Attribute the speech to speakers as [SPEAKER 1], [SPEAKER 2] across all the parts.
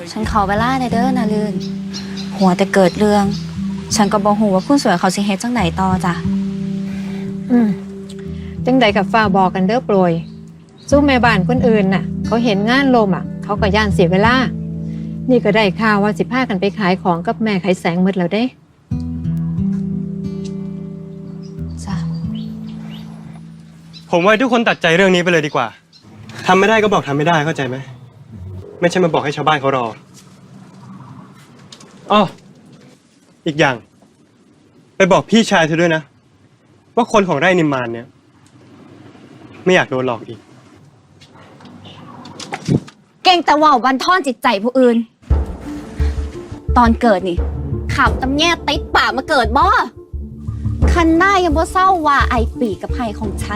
[SPEAKER 1] ฉันขอเวลาในเด้อนะลื่นหัวแต่เกิดเรื่องฉันก็บอกหูว่าคุณสวยเขาสิเฮ็ดจังไหนต่อจ้ะ
[SPEAKER 2] จังใดกับฝ้าบอกกันเด้อโปรยสู้แม่บ้านคนอื่นน่ะเขาเห็นงานลมเขาก็ย่านเสียเวลานี่ก็ได้ข่าวว่าสิพากันไปขายของกับแม่ขายแสงหมดแล้วเด้
[SPEAKER 1] จ้ะ
[SPEAKER 3] ผมว่าทุกคนตัดใจเรื่องนี้ไปเลยดีกว่าทำไม่ได้ก็บอกทำไม่ได้เข้าใจไหมไม่ใช่มาบอกให้ชาวบ้านเขารออ้ออีกอย่างไปบอกพี่ชายเธอด้วยนะว่าคนของไร่นิมมานเนี่ยไม่อยากโดนหลอกอีก
[SPEAKER 1] เก่งแต่ว่าบันท่อนจิตใจผู้อื่นตอนเกิดนี่ข่าวตำแย่ติดปากมาเกิดบ่คันหน้ายังบ่เศร้าว่าไอปีกับไผ่ของฉัน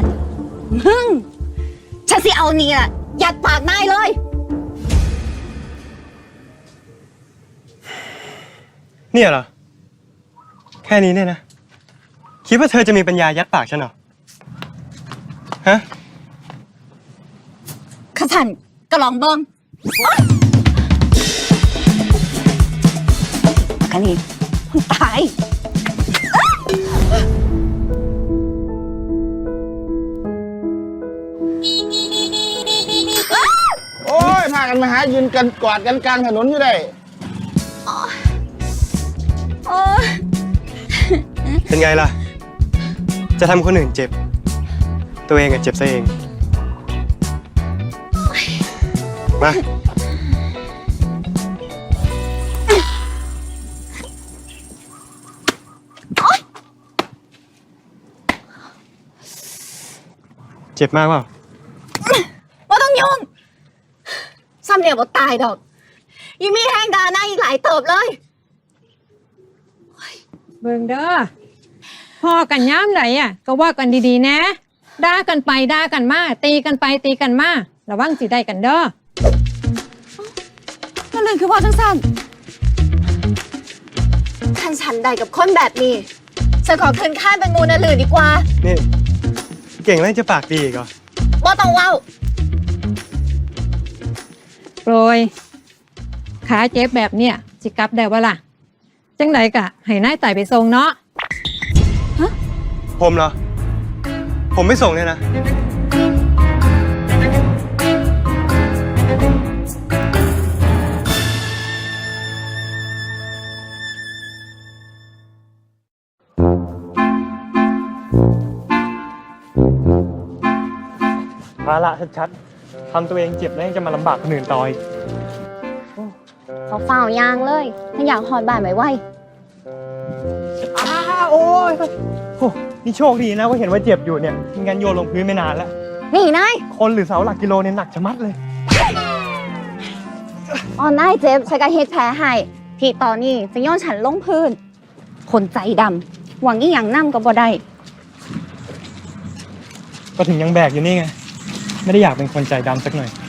[SPEAKER 1] ฉันสิเอาเนี่ยยัดปากนายเลย
[SPEAKER 3] เนี่ยเหรอแค่นี้เนี่ยนะคิดว่าเธอจะมีปัญญายัดปากฉันเหรอฮะ
[SPEAKER 1] ข้าฉันก็ลองเบิ้งกันนี่มึงตาย
[SPEAKER 4] โอ้ยพากันมาหายืนกันกอดกันกลางถนนอยู่ได้
[SPEAKER 3] เป็นไงล่ะจะทำคนอื่นเจ็บตัวเองอะเจ็บซะเองมาเจ็บมากเปล่า
[SPEAKER 1] ว่าต้องยุ่งซ้ำเนี่ยบ่ตายดอกยังมีแห้งดาหน้าอีกหลายเติบเลย
[SPEAKER 2] เบิ่งเด้อพ่อกันย้ำไหนก็ว่ากันดีๆนะด่ากันไปด่ากันมาตีกันไปตีกันมาระวังสิได้กันเด้อ
[SPEAKER 1] นั่นเลยคือว่าทั้งสั้นท่านฉันใดกับคนแบบนี้ฉันขอคืนค่าเป็นมูลน่ะหรือดีกว่า
[SPEAKER 3] นี่เก่งแล้วจะปากดีอีกเหรอ
[SPEAKER 1] บ่ต้องเว้า
[SPEAKER 2] โปรยขาเจ็บแบบเนี้ยสิกลับได้วะล่ะจังไดกะให้นายไต่ไปส่งเนาะ
[SPEAKER 3] ผมเหรอผมไม่ส่งเนี่ยนะภาระชัดๆทำตัวเองเจ็บแล้วยังจะมาลำบากคนอื่นต่ออีก
[SPEAKER 1] เขาเฝ้ายางเลยไม่อยากหอดบ้านไว้
[SPEAKER 3] โอ้ยโอ้นี่โชคดีนะว่าเห็นว่าเจ็บอยู่เนี่ยไม่งั้นโยนลงพื้นไม่นานแล้ว
[SPEAKER 1] นี่นาย
[SPEAKER 3] คนหรือเสาหลักกิโลเนี่ยหนักชะมัดเลย
[SPEAKER 1] อ๋อนายเจ็บใช้กระเฮ็ดแผลให้ที่ตอนนี้จะย้อนฉันลงพื้นคนใจดำหวังอีหยังนั่ก็บ่ได้
[SPEAKER 3] ก็ถึงยังแบกอยู่นี่ไงไม่ได้อยากเป็นคนใจดำสักหน่อย